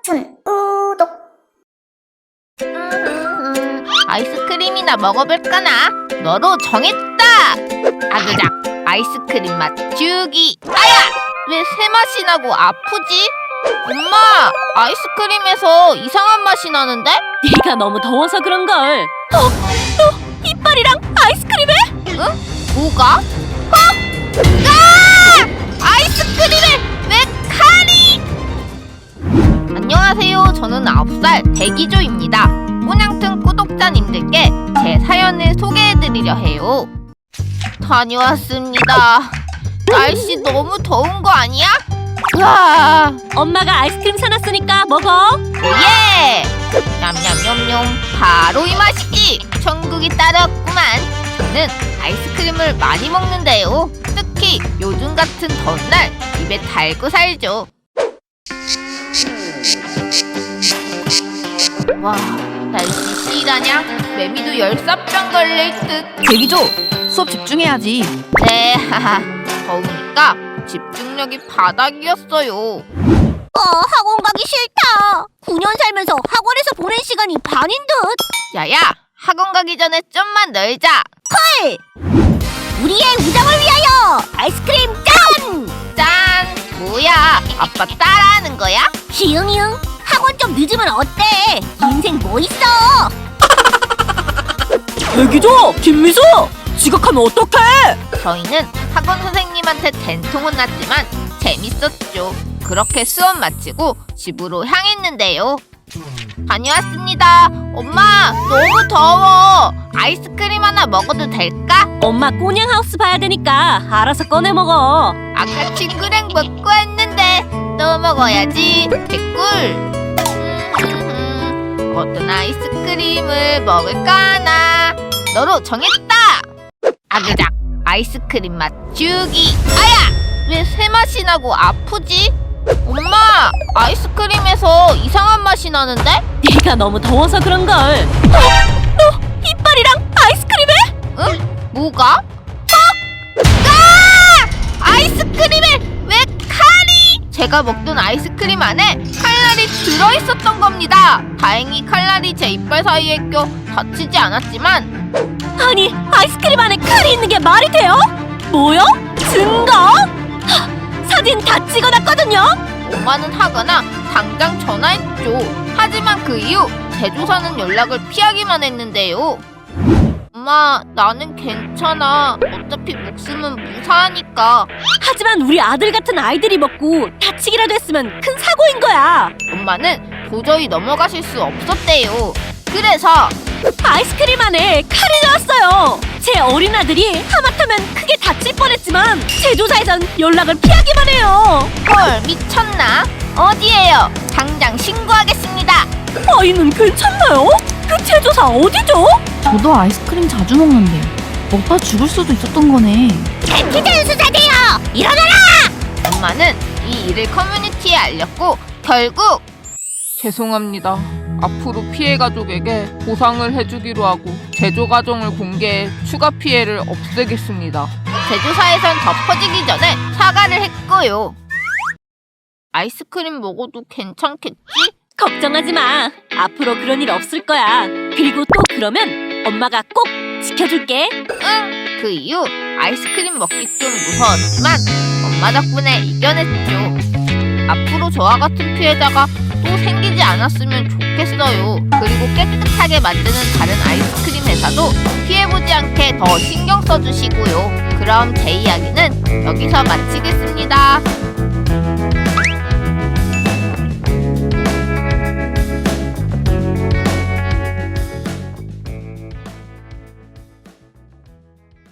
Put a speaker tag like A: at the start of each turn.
A: 춘 우독.
B: 아이스크림이나 먹어볼까나? 너로 정했다! 아그작 아이스크림 맛 주기. 아야! 왜 새 맛이 나고 아프지? 엄마! 아이스크림에서 이상한 맛이 나는데?
C: 네가 너무 더워서 그런걸. 너 이빨이랑 아이스크림에?
B: 응? 뭐가? 아이스크림에 왜 칼이! 안녕하세요. 저는 9살 대기조입니다. 꼬냥튼 구독자님들께 제 사연을 소개해드리려 해요. 다녀왔습니다. 날씨 너무 더운 거 아니야? 우와!
C: 엄마가 아이스크림 사놨으니까 먹어.
B: 오예! 냠냠냠냠 바로 이 맛이지! 천국이 따로 없구만. 저는 아이스크림을 많이 먹는데요. 특히 요즘 같은 더운 날 입에 달고 살죠. 와, 날씨 씨라냐? 매미도 열사병 걸릴 듯.
D: 대기조! 수업 집중해야지.
B: 네, 하하. 더우니까 집중력이 바닥이었어요.
A: 학원 가기 싫다. 9년 살면서 학원에서 보낸 시간이 반인 듯.
B: 야야, 학원 가기 전에 좀만 놀자.
A: 우리의 우정을 위하여 아이스크림 짠!
B: 짠! 뭐야, 아빠 따라하는 거야?
A: 희응희응. 학원 좀 늦으면 어때? 인생 뭐 있어?
C: 대기조! 김미수! 지각하면 어떡해?
B: 저희는 학원 선생님한테 된통 혼났지만 재밌었죠. 그렇게 수업 마치고 집으로 향했는데요. 다녀왔습니다. 엄마, 너무 더워. 아이스크림 하나 먹어도 될까?
C: 엄마 꼬냥하우스 봐야 되니까 알아서 꺼내 먹어.
B: 아까 친구랑 먹고 왔는데 또 먹어야지. 개꿀. 어떤 아이스크림을 먹을까나? 너로 정했다. 아그작 아이스크림 맛 주기. 아야! 왜 새 맛이 나고 아프지? 엄마! 아이스크림에서 이상한 맛이 나는데?
C: 네가 너무 더워서 그런걸. 너 이빨이랑 아이스크림에?
B: 응? 뭐가? 아이스크림에 왜 칼이! 제가 먹던 아이스크림 안에 칼날이 들어있었던 겁니다. 다행히 칼날이 제 이빨 사이에 껴 다치지 않았지만
C: 아니, 아이스크림 안에 칼이 있는 게 말이 돼요? 뭐요? 증거? 사진 다 찍어놨거든요?
B: 엄마는 하거나 당장 전화했죠. 하지만 그 이후 제조사는 연락을 피하기만 했는데요. 엄마, 나는 괜찮아. 어차피 목숨은 무사하니까.
C: 하지만 우리 아들 같은 아이들이 먹고 다치기라도 했으면 큰 사고인 거야.
B: 엄마는 도저히 넘어가실 수 없었대요. 그래서
C: 아이스크림 안에 칼이 들어왔어요. 제 어린 아들이 하마터면 크게 다칠 뻔했지만 제조사에선 연락을 피하기만 해요.
B: 헐, 미쳤나? 어디에요? 당장 신고하겠습니다.
C: 아이는 괜찮나요? 그 제조사 어디죠?
D: 저도 아이스크림 자주 먹는데 먹다 죽을 수도 있었던 거네.
A: 피자 수사돼요. 일어나라.
B: 엄마는 이 일을 커뮤니티에 알렸고 결국 죄송합니다. 앞으로 피해 가족에게 보상을 해주기로 하고 제조 과정을 공개해 추가 피해를 없애겠습니다. 제조사에선 덮어지기 전에 사과를 했고요. 아이스크림 먹어도 괜찮겠지?
C: 걱정하지 마. 앞으로 그런 일 없을 거야. 그리고 또 그러면 엄마가 꼭 지켜줄게.
B: 응! 그 이후 아이스크림 먹기 좀 무서웠지만 엄마 덕분에 이겨냈죠. 앞으로 저와 같은 피해자가 또 생기지 않았으면 좋겠어요. 그리고 깨끗하게 만드는 다른 아이스크림 회사도 피해보지 않게 더 신경 써주시고요. 그럼 제 이야기는 여기서 마치겠습니다.